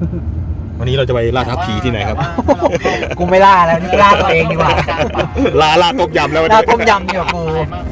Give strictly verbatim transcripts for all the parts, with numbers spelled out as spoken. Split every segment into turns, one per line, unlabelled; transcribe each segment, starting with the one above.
วันนี้เราจะไปล่าท้าผีที่ไหนครับ
กูไม่ล่าแล้วนี่ล่าตัวเองดีกว่า
ล่าล่าต้มยำแล้ว
ล่าต้มยำดีกว่ากู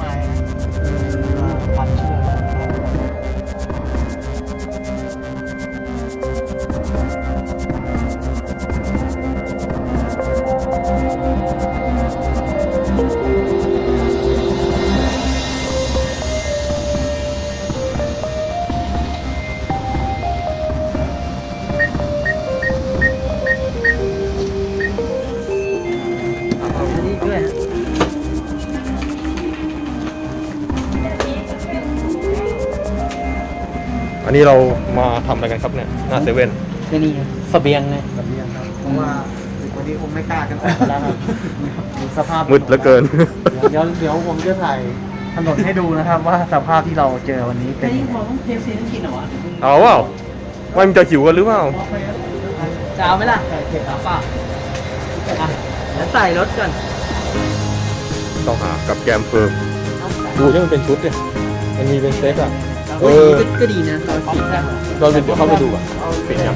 อันนี้เรามาทำอะไรกันครับเนี่ยหน้าเซเว่น
ที่นี่เสบียงไง
เสบียงครับเพราะว่าวันนี้คงไม่กล้ากันออกแล้วครับสภาพ
มืดเหลือเกิน
เดี๋ยวเดี๋ยวผมจะถ่ายถนนให้ดูนะครับว่าสภาพที่เราเจอวันนี้เป็น
ยังไงของเทปซีต้องกินเหรอวะ
เอาเปล่าว่ามันจะหิวกันหรือเปล่า
จะเอาไหมล่ะเก็บเปล่าอ่ะแล้วใส่รถก่อน
ต้องหากับแกมเฟิร์มดูที่มันเป็นชุดเนี่ยมันมีเป็นเซตอ่ะ
เออก็ดีนะเราคิดแค่
เราเดี๋ยวเข้าไปดูอ่ะปิดยัง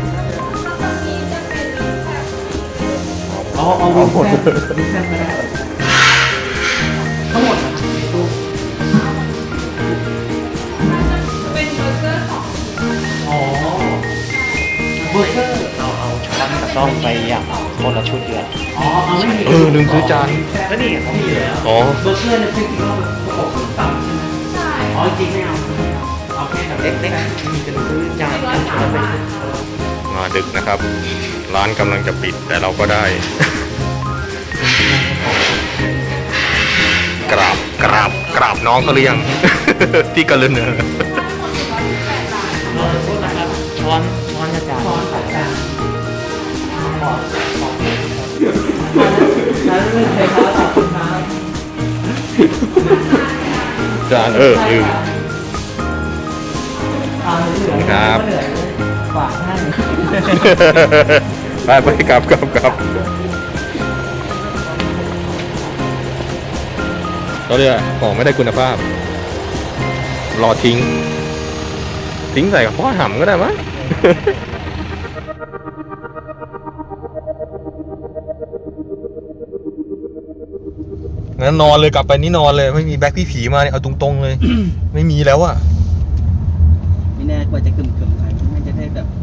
เอาเอาเอาหมดมีแค่ไม่ได้ทั้งหมดเป็นเบอร์เกอร์ของอ๋อเบอร์เกอร์
เอาเอาช้อนกับซ่อมไปอย่างคนละชุดเดียว
อ๋อเอาไม่มี
เออลืมซื้อจาน
ก็นี่เขามีแล้ว
อ๋อ
เบอร์เกอร์เนี่ยคือที่เราประกอบต่ำใช่ไหมใช่อ๋อจริงไม่เอาเอาแค่แบบเล็กๆมีกันซื้อจานกันช้อนไป
มาดึกนะครับร้านกำลังจะปิดแต่เราก็ได้กราบกราบกราบน้องเขาหรือยังที่กระลือเนอ
ช้อนช้อนจานช้อนจาน
จานเออลืมครับไปไปกลับกลับกลับก็เรียกของไม่ได้คุณภาพรอทิ้งทิ้งใส่กับพ่อหำก็ได้มั้ยงั้นนอนเลยกลับไปนี่นอนเลยไม่มีแบ็คพี่ผีมาเนี่ยเอาตรงๆเลย ไม่มีแล้วอะ
ไม่แน่กว่าจะกึ่มกึ่มไปไม่จะได้แบบ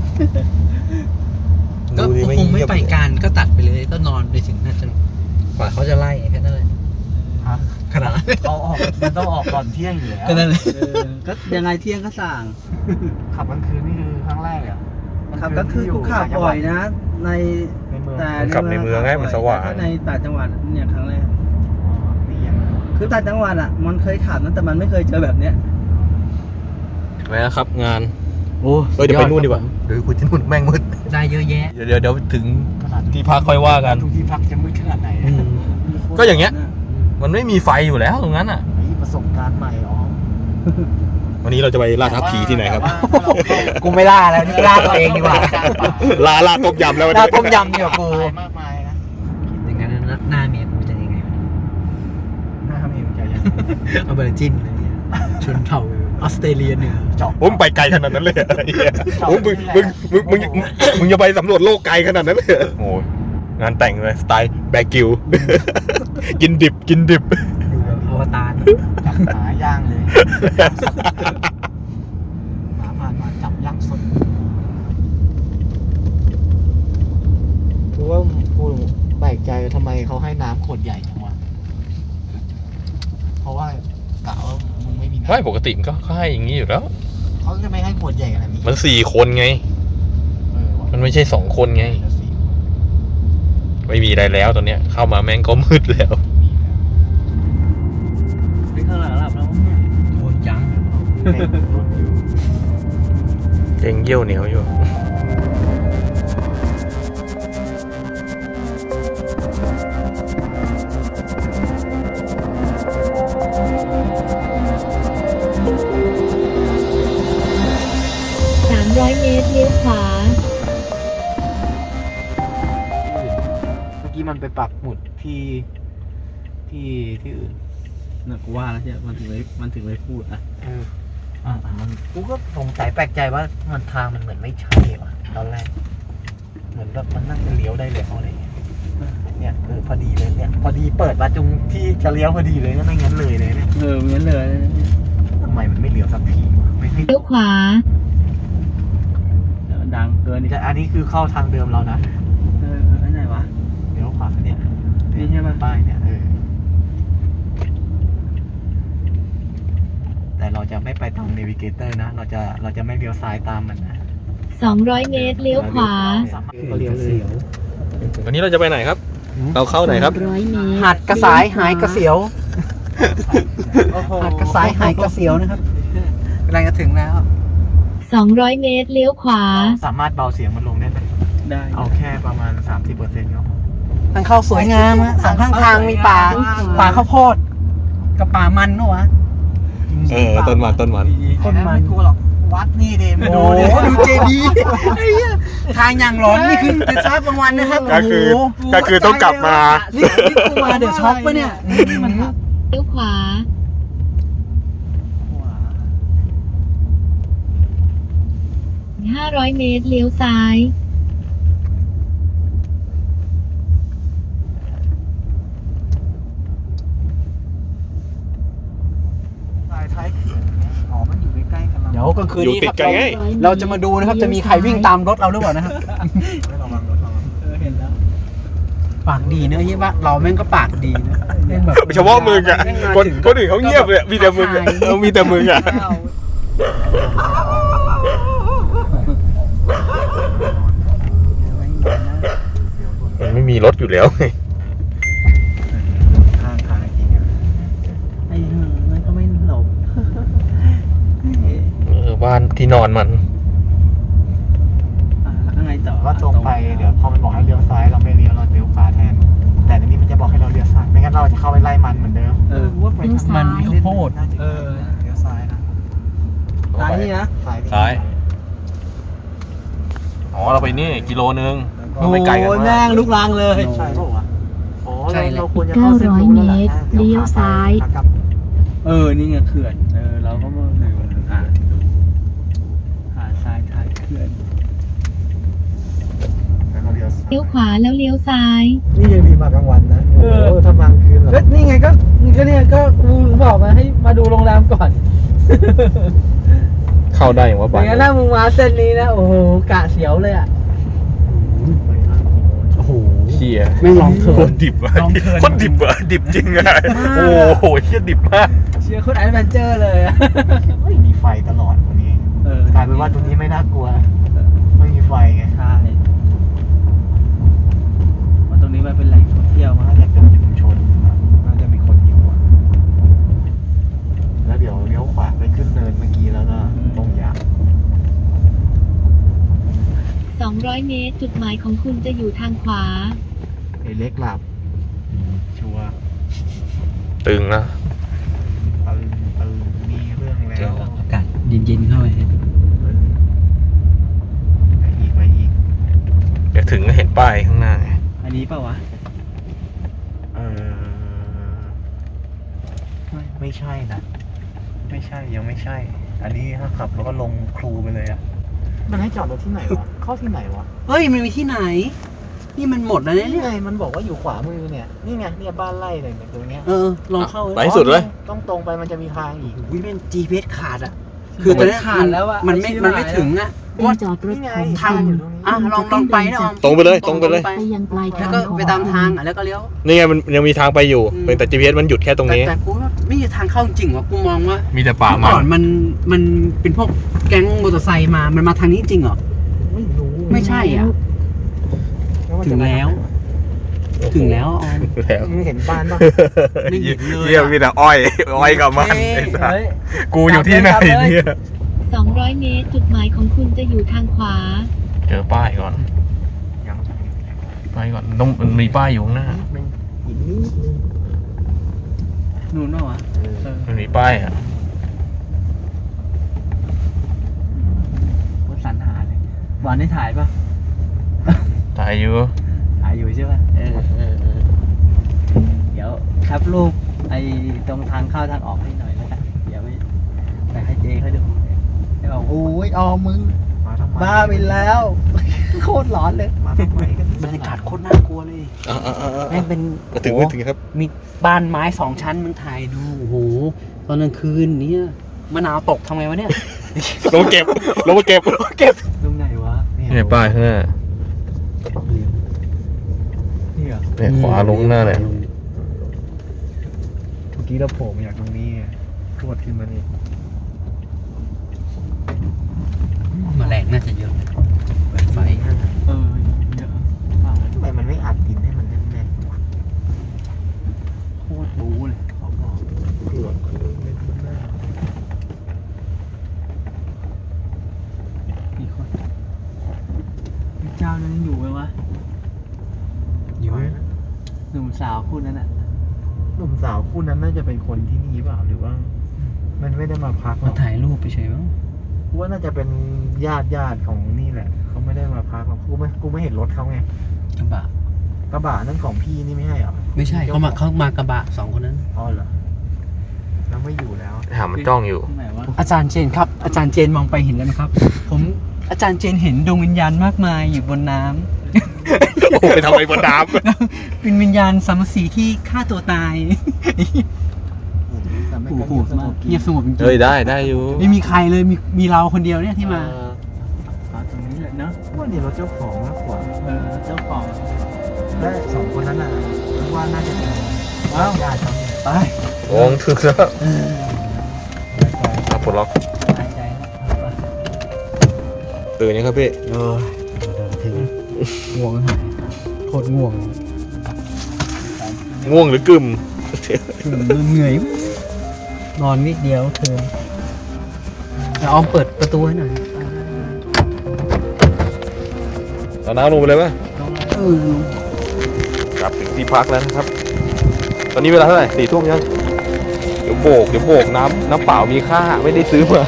ก็คงไม่ไปการก็ตัดไปเลยก็นอนไปถึงน่าจะกว่าเขาจะไล่แค่นั้นเลยขนาด
เขาออกมันต้องออกก่อนเที่ยงอยู่แล้ว
ก็นั่นเลยก็ยังไงเที่ยงก็สั่ง
ขับกลางคืนนี่คือครั้งแรกอ่ะ
ขับกลางคืนกูขับบ่อยนะใน
แต่ขับในเมืองไงมันสว่าง
ในต่างจังหวัดเนี่ยครั้งแรกคือต่างจังหวัดอ่ะมันเคยขับนะแต่มันไม่เคยเจอแบบเนี้ย
ไปนะครับงานโอ้เดี๋ยวไปนู่นดีกว่าเดี๋ยวคุยที่นู่นแม่งมืด
ได้เยอะแยะ
เดี๋ยวเดี๋ยวเดี๋ยวถึงที่พักค่อยว่ากัน
ทุกที่พักจะมืดขนาดไหน
ก็อย่างเงี้ยมันไม่มีไฟอยู่แล้วตรงนั้นอ่ะ
ประสบการณ์ใหม่อ๋อ
วันนี้เราจะไปล่าท้าผีที่ไหนครับ
กูไม่ล่าแล้วนี่ล่าตัวเองดีกว่า
ล่าล่าต้มยำแล้ว
ล่าต้มยำดีกว่ากู
มากมายนะ
อย่างนั้นหน้าเมียกูจะยังไง
หน้าเมียจะยัง
เอาเบอร์จินเลยชนเผ่าออสเตรเลียเหนือ
เจาะผมไปไกลขนาดนั้นเลยโอ้มึงมึงมึงมึงมึงจะไปสำรวจโลกไกลขนาดนั้นเลยโอ้งานแต่งเลยสไตล์แบกิวกินดิบกินดิบ
อยู่แบบอวตาร
จับหมาย่างเลยหมาผ่านมาจับย่างสดคือว่ากูแปลกใจทำไมเขาให้น้ำขวดใหญ่จังวะเพราะว่ากะว่ามึงไม่มีน้ำ
ไม่ปกติมันก็ให้อย่างนี้อยู่แล้ว
เขาจะไม่ให้ขวดใหญ่ขนาดนี้
มันสี่คนไงมันไม่ใช่สองคนไงไม่มีอะไรแล้วตอนเนี้ยเข้ามาแม่งก็มืดแล้ว
ไปข้างหลังหลับแล้วโดนจัง
เก่งเยี่ยวเหนียวอยู่
สามร้อยเมตรเลี้ยวขวา
มันไปปักหมุดที่ที่ที่อื่น
น่ะกูว่าแล้วใช่มันถึงเลยมันถึงเลยพูดอ่ะ
เอออ่ะมันกูก็สงสัยแปลกใจว่ามันทางมันเหมือนไม่ใช่ว่ะตอนแรกแล้วมันน่าจะเลี้ยวได้เลยอะไรเงี้ยเนี่ยเออพอดีเลยเนี่ยพอดีเปิดมาตรงที่จะเลี้ยวพอดีเลยนะไม่งั้นเลยเลยเนี่ย
เอองั้นเลย
ทำไมมันไม่เลี้ยวสักทีวะไม่ให้
เลี้ยวขวา
ดังเกินนี่
แต่อันนี้คือเข้าทางเดิมเรานะ
เอออันไหนวะ
เลี้ยวขวาเนี่ย
นี่ใช่ปะ
ป้ายเนี่ยเออแต่เราจะไม่ไปตามเนวิเกเตอร์นะ เราจะเราจะไม่เลี้ยวซ้ายตามมันนะ
สองร้อย เมตร เลี้ยวขวา
ก็เลี้ยวเลย
วันนี้เราจะไปไหนครับ เราเข้าไหนครับ
ร้อยเมตร
หาดกระสายหายกระเสียว
โอ้โห
หาดกระสายหายกระเสียวนะครับกำลังจะถึงแล้ว
สองร้อย เมตร เลี้ยวขวา
สามารถเบาเสียงมันลงได้ไหม
ได้
เอาแค่ประมาณ สามสิบเปอร์เซ็นต์ก็พอ
ทางเข้าสวยงามอะสองข้างทางมีป่า ป่าข้าวโพดกับป่ามันเนอะวะ
เออ ต้นมันต้นมัน
ต้นมันไม่กลัวหรอกวัดนี่เดมดูดิดูเจดีย์ไอ้เหี้ยทางอย่างร้อนนี่คือจะช้ากลางวันนะครับ
ก็คือ
โโห
ก็คือต้องกลับมา
นี่นี่กูมาเดี๋ยวช็อกปะเนี่ย
เลี้ยวขวา ห้าร้อย เมตร เลี้ยวซ้าย
สายท้ายเขื่อนอ๋อมันอยู่ใกล้ๆกันเรา
เดี๋ยวกลางคืน
อยู่
นี้
ติด
ครับ
กันไง
เราจะมาดูนะครับจะมีใครวิ่งตามรถเราหรือเปล่านะครับ
ไม่ระวังรถระวัง
เห็นแล้วปากดีเนอะเฮียว่าเราแม่งก็ปากดีนะเล่นแบบ
เฉพาะมึงอ่ะ คนคนอื่นเขาเงียบเลยมีแต่มึงอะเออมีแต่มึงอ่ะ มันไม่มีรถอยู่แล้วไง
ข้างทางจริงอ่ะ
ไอ้เหี้ยมันก็ไม่หลบ
เออบ้านที่นอนมัน
อ่าแล้วข้างในต่อ
ก็ตรงไปเดี๋ยวพอมันบอกให้เลี้ยวซ้ายเราไม่เลี้ยวเราเลี้ยวขวาแทน แต่ในนี้มันจะบอกให้เราเลี้ยวซ้ายไม่งั้นเราจะเข้าไปไล่มันเหมือนเดิม
เออ
เลี้ยวซ้าย
มันข้าวโพด
น่าจะ
เออ
เลี้ยวซ้ายนะ
ซ้ายนี่นะ
ซ้ายนี่
ซ้าย อ๋อ เราไปนี่กิโลนึงเราไม่ไกลกัน
โอ้ย
มา
แม่
ก
งลุกลางเลย
ใช่เปล่าวะอ๋อ
ใช่
เรา
เลย
เราควรจะเข้าเส้นรู้แล้วแหละ
เก้าร้อยเมตรเลี้ยวซ้าย
ขากลับ
เออ นี่ไงเขื่อน เออ เราก็มาดูอ่าดูหาดทรายถ่ายเขื่อน
แล้วเราเลี้ยวซ้าย
เลี้ยวขวาแล้วเลี้ยวซ้าย
นี่ยังมีมากลางวันนะโอ้โหถ้ามากลางคืนเหรอ
ก็นี่ไงก็ก็เนี่ยก็กูบอกมาให้มาดูโรงแรมก่อน
เข้าได้อย่างว่า
อ
บ้าน
ย่างนั้นถ้ามึงมาเส้นนี้นะ โอ้โหกะเสียวเลยอ่ะ
โอ้โห
เชี่ย
ไม่ลองเถิ
โค
ด
ตรดิบอ่ะ
ลองเถิด
โคตรดิบอ่ะดิบจริงอ่ะ
มาก
โอ้โหเชี่ยดิบมาก
เชียร์โคนแอดเวนเจอร์เลยอะ
ไม่มีไฟตลอดวันนี้
เออก
ลายเป็นว่าตรงนี้ไม่น่ากลัว ไม่มีไฟไง
ใช่ว่าตรงนี้มันเป็นแหล่งท่องเที่ยวมา
น่าจะเป็นชุมชนครับน่าจะมีคนอยู่อะแล้วเดี๋ยวเลี้ยวขวาไปขึ้นเนินเมื่อกี้แล้วก็ตรงยาว
สองร้อย เมตร จุดหมายของคุณจะอยู่ทางขวา
ไอ้เล็กหลับชัวร์
ตึงนะ
ตึงตึงมีเรื่องแล้ว
อากาศเย็นๆเข้าไป
ตึงไปอีกไปอีก
เดี๋ยวถึงก็เห็นป้ายข้างหน้าไง
อันนี้เปล่าวะ
เออไม่ไม่ใช่นะ ไม่ใช่ยังไม่ใช่ อันนี้ถ้าขับแล้วก็ลงครูไปเลยอะมันให้จอดรถที่ไหนวะ เข้าที่ไหนวะ
เฮ้ย มันมีที่ไหน นี่มันหมดแล้วเนี่ย
นี่ไงมันบอกว่าอยู่ขวามือเนี่ย นี่ไงเนี่ยบ้านไร่เลยเนี่ยตรงเนี้ย
เออ ลองเข้า
ไปให้สุดเลย
ต้องตรงไปมันจะมีทางอีก
วิเป็น จี พี เอส ขาดอ่ะ คือตอนนี้ขาดแล้วอ่ะ มันไม่ มันไม่ถึงอ่ะ
เป็นจอดรถ
นี่ไง
ของ
ทาง
คุณ
อ่ะ ลองลองไปนะออม
ตรงไปเลยตรงไปเลย
ไปยังปลายทาง
แล้วก็ไปตามทางอ่ะ แล้วก็เลี้ยว
นี่ไงมันยังมีทางไปอยู่
อืม
เป็นแต่ จี พี เอส มันหยุดแค่ตรง
แต่
นี้
แต่กูว่าไม่มีทางเข้าจริงว่ะ กูมองว่า
มีแต่ป่า
เมื่อ
มั
ก่อน นมัน มันเป็นพวกแก๊งมอเตอร์ไซค์มา มันมาทางนี้จริงเหรอ
ไม่รู้
ไม่ใช่อ่ะ
ว่า
ถึ
จะ
ง
มา
แล้ว ถึงแล้วออม
แล้ว
มึงเห็นบ้านปะ
ไม่เห็นเลยอะ
เยี่ยมีแต่อ้อย อ้อยกับมันไอ้สัส
เฮ้ย
กูอยู่ที่ไหน
กลับเลย
เนี่ย
สองร้อย เมตร จุดหมายของคุณจะอยู่ทางขวา
เจอป้ายก่อน
ยัง
ป้ายก่อนต้องมันมีป้ายอยู่ข้างหน้า
ไม่อีกนิดนึง
นู่นเปล่าวะ
เออ
เออ
มันมีป้ายอ่ะ
ว่าสันหาเลยบอลได้ถ่ายป่ะ
ถ่ายอยู่
ถ่ายอยู่ใช่ป่ะ เออเออเออเดี๋ยวครับรูปไอ้ตรงทางเข้าทางออกให้หน่อยแล้วกัน เดี๋ยวไปไปให้เจเขาดูเดี๋ยวบอกโอ้ยออมมึง
มาทำไม
บ้าไปแล้ว โคตรตรร้อนเลย
มาทำไมกัน
บรรยากาศโคตรน่ากลัวเลย
อ่าอ่าอ่า
แม่งเป็น
มาถึงไม่ถึงครับ
มีบ้านไม้สองชั้นมึงถ่ายดูโอ้โหตอนกลางคืนเนี่ยมะนาวตกทำไงวะเนี่ย
ลงมาเก็บลงมาเก็บ
เก็บตรงไหนวะ
เนี่ยป้ายข้างหน้า
นี่เหรอ
เนี่ยขวาลงหน้าเนี่ย
เมื่อกี้เราโผล่มาจากตรงนี้ไงพรวดขึ้นมานี่
แมลงน่าจะเยอะเปิดไฟเออเยอะมาก
ทำไมมันไม่อัดดินให้มันแน่นๆวะ
โคตรบู๊เลยเขาบอก
เผือกคือเม็ดมันหน้า
มีคนมีเจ้านั้นยังอยู่ไหมวะ
อยู่ไหมนะ
หนุ่มสาวคู่นั้นอ่ะ
หนุ่มสาวคู่นั้นน่าจะเป็นคนที่นี่เปล่าหรือว่า มันไม่ได้มาพักหร
มา
อก
ถ่ายรูปไปเฉยมั้ง
กูว่าน่าจะเป็นญาติญาติของนี่แหละเขาไม่ได้มาพักหรอกกูไม่กูไม่เห็นรถเขาไง
กระบะ
กระบะนั่นของพี่นี่ไม่ใช่เหรอ
ไม่ใช่เขามาเขามากระบะสองคนนั้น
อ๋อเหรอแล้วไม่อยู่แล้ว
หามันจ้องอยู่
อาจารย์เจนครับ อาจารย์เจนมองไปเห็นแล้วไหมครับ ผมอาจารย์เจนเห็นดวงวิญญาณมากมายอยู่บนน้ำ
โอ้ไปทำอะไรบนน้
เป็นวิญญาณสามสีที่ฆ่าตัวตาย
แต่ไม่
โอ้
กระ
โห
เทียมส
มาก
งบ
เงียบสงบจริง
ำเฮ้ยได้ได้อยู่
ๆไม่มีใครเลยมีมีเราคนเดียวเนี่ยที่มา
เออ
มาตรงนี้เลยเนาะ
ว่านี่รถเจ้าของมากกว่า
เออเจ้าของ
และสองคนนั้นน่ะว่าน่าจะเป็นว้าวญาติเขาเนี่ย
ไป
โอ้งถึงแล้ว
เออ
อ่ะปลดล็อก
หายใจแล้ว
ตื่นยังครับพี่
เออถึงง่วงหายโคตรง่วง
ง่วงหรือกึ่ม
เหนื่อย นอนนิดเดียวเธอจะออมเปิดประตูให้หน่อย
เอาน้ำลงไปเลยป่ะ
เออก
ลับถึงที่พักแล้วนะครับ ตอนนี้เวลาเท่าไหร่สี่ทุ่มยัง เดี๋ยวโบก เดี๋ยวโบกน้ำน้ำเปล่ามีค่าไม่ได้ซื้อมา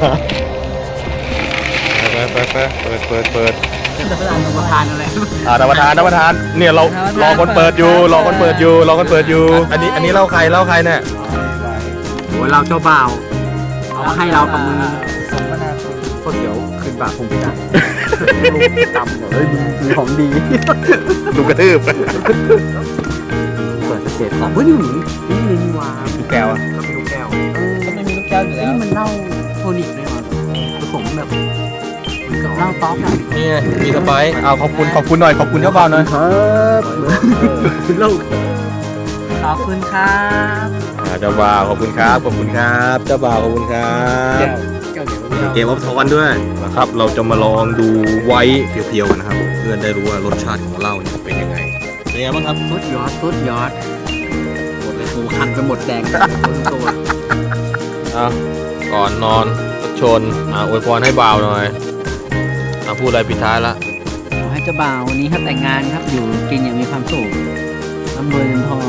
ไปไปไปเปิดเปิดเปิด
จะไปอ่านประทานอะไร
อ่าน้ำประทานน้ำประทาน เนี่ยเรารอคนเปิดอยู่ รอคนเปิดอยู่ รอคนเปิดอยู่ อันนี้อันนี้เล่าใครเล่าใครเนี่ย
โอ้เราเจ้าบ่าวเอามาให้เรากับมือ
สมนาคุณ
ก็เดี๋ยวคืนบาทคงไม่ได้ตำเฮ้ยมีของดี
ดูกระทืบ
เปิดเศษของเฮ้ยนี่หนีนี่เลยนี่วา
ดูแก้วอะ
ก็เป็นลูกแก้ว
เออ
ก็ไม่มีลูกแก้วอยู่แล้ว
นี่มันเหล้าโทนิกเลยว่ะผสมแบบเหมือนกับเหล้าต๊อกอะ
นี่ไงมีสไปซ์เอาขอบคุณขอบคุณหน่อยขอบคุณเจ้าบ่าวหน่อย
ครับเหล้าขอบคุณครับ
อ่าเจ้าบ่าวขอบคุณครับขอบคุณครับเจ้าบ่าวขอบคุณครับ
แก้วเดี๋ยว
เกมออฟทอนด้วยนะครับ เราจะมาลองดูไว้เพียวๆกันนะครับ เพื่อนได้รู้ว่ารสชาติของเหล้าเนี่ยเป็นยังไงเป็นยังไงบ้างครับ
สุดยอดสุดยอดหมดเลยกูคันไปหมดแดงตัว
อ่ะก่อนนอนรถชนอ่าอวยพรให้บ่าวหน่อยอ่ะพูดอะไรปิดท้ายละ
ขอให้เจ้าบ่าววันนี้ครับแต่งงานครับอยู่กินอย่างมีความสุขร่ำรวยเงินทอง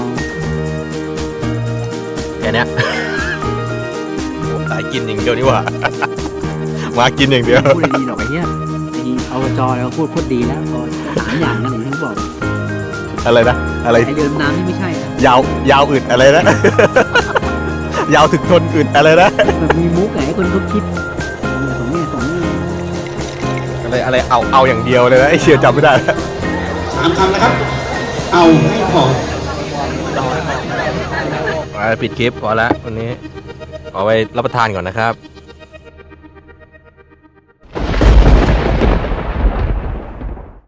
แค่เนี้ย โอ้สายกินอย่างเดียวนี่หว่า มากินอย่างเดียว
พูดดีหรอกไอ้เหี้ยไอ้เอาจอแล้วพูดพูดดีแล้วพอสามอย่างนั่นเองที่บอก
อะไรนะอะไร
ไอ้เดิมน้ำนี่ไม่ใช่นะ
ยาวยาวอึดอะไรนะ ยาวถึงทนอึดอะไรนะ
แบบมีมุกไงให้คนเขาคิดสองเนี่ยสองเนี่ย
อะไรอะไรเอาเอาอย่างเดียวเลยนะไอเชียจำไม่ได้แล้ว
สามคำนะครับ เอาไม่พอ
มาปิดคลิปพอแล้ววันนี้ขอไปรับประทานก่อนนะครับ